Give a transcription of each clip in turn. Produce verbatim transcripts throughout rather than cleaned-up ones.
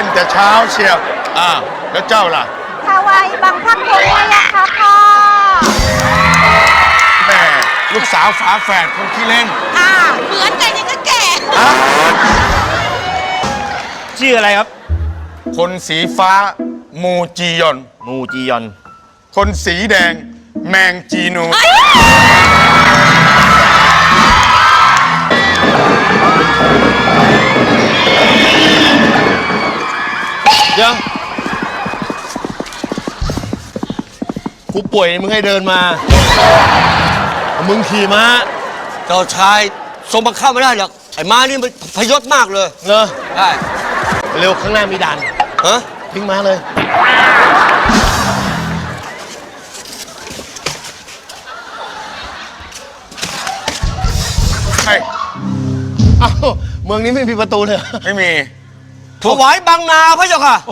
นแต่เช้าเชียวอ่าแล้วเจ้าล่ะถวายบังคับคุณพระยาค่ะพ่อแม่ลูกสาวฝาแฝดคนขี้เล่นอ่าเหมือนกันยังก็แก่ชื่ออะไรครับคนสีฟ้ามูจียอนมูจียอนคนสีแดงแมงจีนูยังกูป่วยมึงให้เดินมามึงขี่ม้าเจ้าชายทรงบังคับไม่ได้หรอกไอ้ม้านี่มันพยศมากเลยเหรอใช่เร็วข้างหน้ามีด่านฮะทิ้งม้าเลยใช่อ้าวเมืองนี้ไม่มีประตูเลยไม่มีถวายบางนาพระเจ้าค่ะ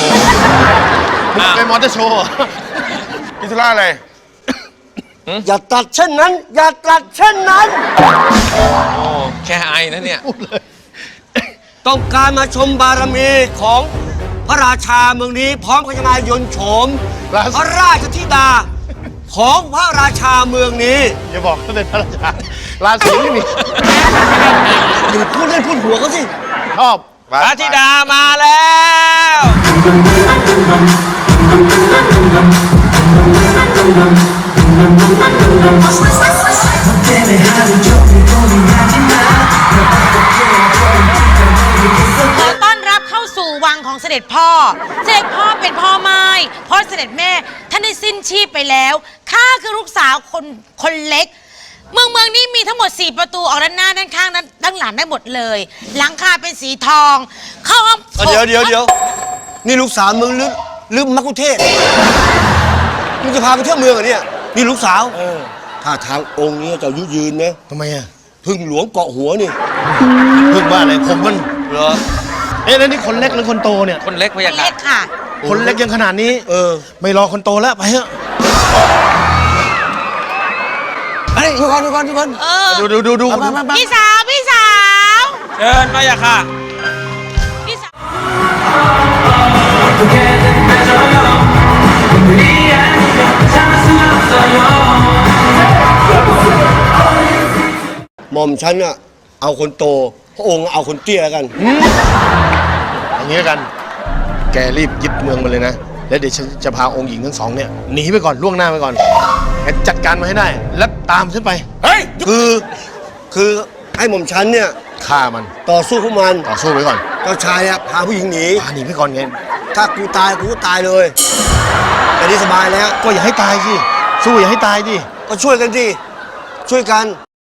เป็นมอเตอร์โชว์พิธุระอะไรอย่าตัดเช่นนั้นอย่าตัดเช่นนั้นโอ้แค่ไอนะเนี่ยต้องการมาชมบารมีของพระราชาเมืองนี้พร้อมกับจะมายนโฉมพระราชธิดาของพระราชาเมืองนี้อย่าบอกว่าเป็นพระราชาราศีไม่มีอย่าพูดเล่นพูดหัวเขาสิชอบพระธิดามาแล้วขอต้อนรับเข้าสู่วังของเสด็จพ่อเสด็จพ่อเป็นพ่อไม้เพราะเสด็จแม่ท่านได้สิ้นชีพไปแล้วข้าคือลูกสาวคนคนเล็กเมืองเมืองนี้มีทั้งหมดสี่ประตูออกด้านหน้าด้านข้างด้านหลังได้หมดเลยหลังคาเป็นสีทองเข้าห้องเดี๋ยวเดี๋ยวเดี๋ยวนี่ลูกสาวมึงหรือหรือมักคุเทศมึงจะพาไปเที่ยวเมืองเหรอเนี่ยนี่ลูกสาวถ้าทางองค์นี้จะยุยืนนะทำไมอ่ะพึ่งหลวงเกาะหัวนี่พึ่งบ้าอะไรผมมันเหรอเอ๊ะแล้วนี่คนเล็กหรือคนโตเนี่ยคนเล็กพะยะค่ะคนเล็กยังขนาดนี้เออไม่รอคนโตแล้วไปเถอะไอ้ทุกคนทุกคนทุกคนดูดูดูดูพี่สาวพี่สาวเชิญมาอย่าค่ะพี่สาวหม่อมฉันอะเอาคนโตพระองค์เอาคนเตี้ยกันอย่างนี้กันแกรีบยึดเมืองมาเลยนะแล้วเดี๋ยวฉันจะพาองค์หญิงทั้งสองเนี่ยหนีไปก่อนล่วงหน้าไปก่อนแกจัดการมาให้ได้แล้วตามฉันไปเฮ้ยคือคือให้หม่อมฉันเนี่ยฆ่ามันต่อสู้พวกมันต่อสู้ไปก่อนเจ้าชายอะพาผู้หญิงหนีพาหนีไปก่อนไงถ้ากูตายกูก็ตายเลยแต่นี่สบายแล้วก็อย่าให้ตายสิสู้อย่าให้ตายดิก็ช่วยกันสิช่วยกัน